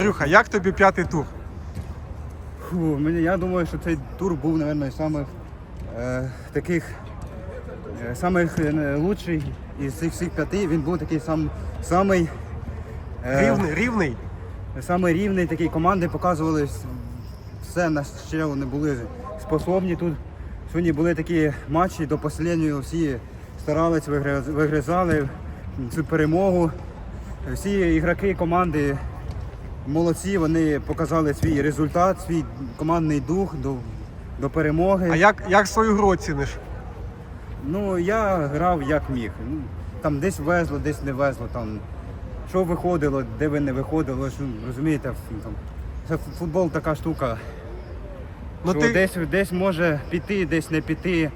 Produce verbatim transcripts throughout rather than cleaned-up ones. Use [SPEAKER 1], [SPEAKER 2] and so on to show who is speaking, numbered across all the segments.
[SPEAKER 1] Андрюха, як тобі п'ятий тур?
[SPEAKER 2] Фу, мені, я думаю, що цей тур був, мабуть, самих е, таких е, самих е, лучший із цих всіх п'яти. Він був такий сам самий е,
[SPEAKER 1] Рівний, рівний?
[SPEAKER 2] самий рівний. Такі команди показували все, на що вони були способні тут. Сьогодні були такі матчі до останнього, всі старались, вигризали цю перемогу. Всі ігроки команди молодці, вони показали свій результат, свій командний дух до, до перемоги.
[SPEAKER 1] А як, як свою гру оціниш?
[SPEAKER 2] Ну, я грав як міг. Ну, там десь везло, десь не везло. Там, що виходило, де ви не виходило. Що, розумієте, там, це футбол така штука.
[SPEAKER 1] Ну,
[SPEAKER 2] що
[SPEAKER 1] ти...
[SPEAKER 2] десь, десь може піти, десь не піти.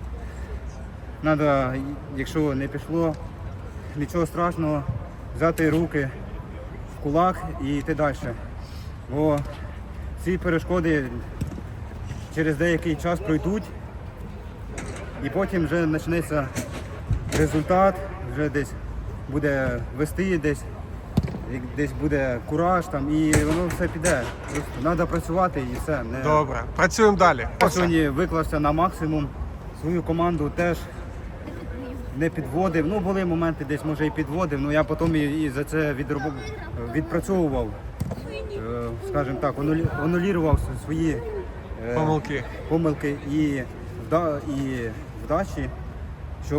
[SPEAKER 2] Надо, якщо не пішло, нічого страшного, взяти руки в кулак і йти далі. Бо ці перешкоди через деякий час пройдуть і потім вже почнеться результат, вже десь буде вести, десь, десь буде кураж там, і воно все піде. Просто треба працювати і все. Не...
[SPEAKER 1] Добре, працюємо далі.
[SPEAKER 2] Я сьогодні виклався на максимум, свою команду теж не підводив. Ну, були моменти, десь може і підводив, але я потім і, і за це відроб... відпрацьовував, е, скажімо так, анулював свої е,
[SPEAKER 1] Помилки.
[SPEAKER 2] помилки і, вда... і вдачі, щоб,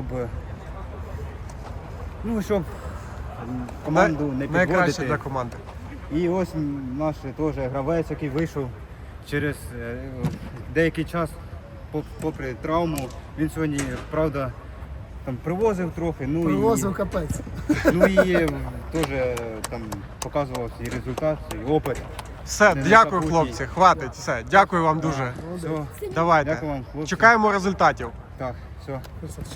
[SPEAKER 2] ну, щоб команду не
[SPEAKER 1] Найкраще
[SPEAKER 2] підводити.
[SPEAKER 1] для команди.
[SPEAKER 2] І ось наш теж гравець, який вийшов через е, деякий час, попри травму. Він сьогодні, правда, там привозив трохи. Ну,
[SPEAKER 3] Привозив
[SPEAKER 2] і,
[SPEAKER 3] капець.
[SPEAKER 2] ну і теж там показував свій результат, свій опит.
[SPEAKER 1] Все,
[SPEAKER 2] Не
[SPEAKER 1] дякую,
[SPEAKER 2] забудь.
[SPEAKER 1] хлопці, хватить, все. Дякую вам дуже.
[SPEAKER 2] Все,
[SPEAKER 1] Давайте.
[SPEAKER 2] дякую вам, хлопці.
[SPEAKER 1] Чекаємо результатів.
[SPEAKER 2] Так, все.
[SPEAKER 3] Красавчик.